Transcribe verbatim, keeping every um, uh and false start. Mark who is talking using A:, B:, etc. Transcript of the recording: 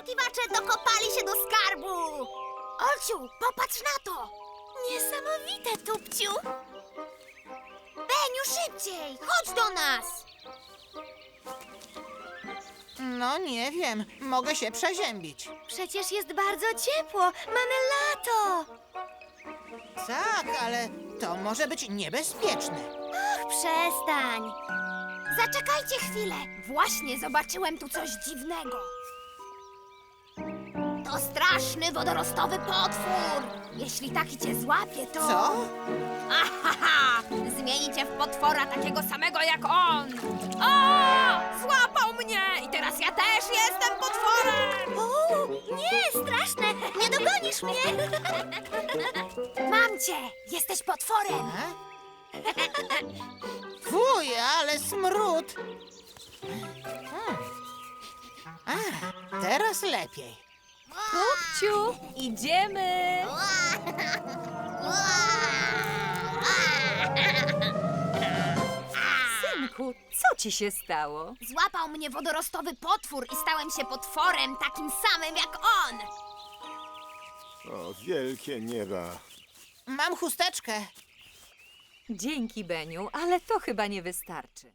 A: poszukiwacze dokopali się do skarbu! Olciu, popatrz na to! Niesamowite, Tupciu! Beniu, szybciej! Chodź do nas!
B: No nie wiem, mogę się przeziębić.
A: Przecież jest bardzo ciepło, mamy lato!
B: Tak, ale to może być niebezpieczne.
A: Ach, przestań! Zaczekajcie chwilę! Właśnie zobaczyłem tu coś dziwnego. To straszny wodorostowy potwór! Jeśli taki cię złapie, to...
B: Co?
A: Ahaha! Zmieni cię w potwora takiego samego jak on! O! Złapał mnie! I teraz ja też jestem potworem! O, nie, straszne! Nie dogonisz mnie! Mam cię! Jesteś potworem!
B: A? Fuj, ale smród. Hmm. A, teraz lepiej.
C: Tupciu, idziemy! Synku, co ci się stało?
A: Złapał mnie wodorostowy potwór i stałem się potworem takim samym jak on!
D: O, wielkie nieba.
B: Mam chusteczkę.
C: Dzięki, Beniu, ale to chyba nie wystarczy.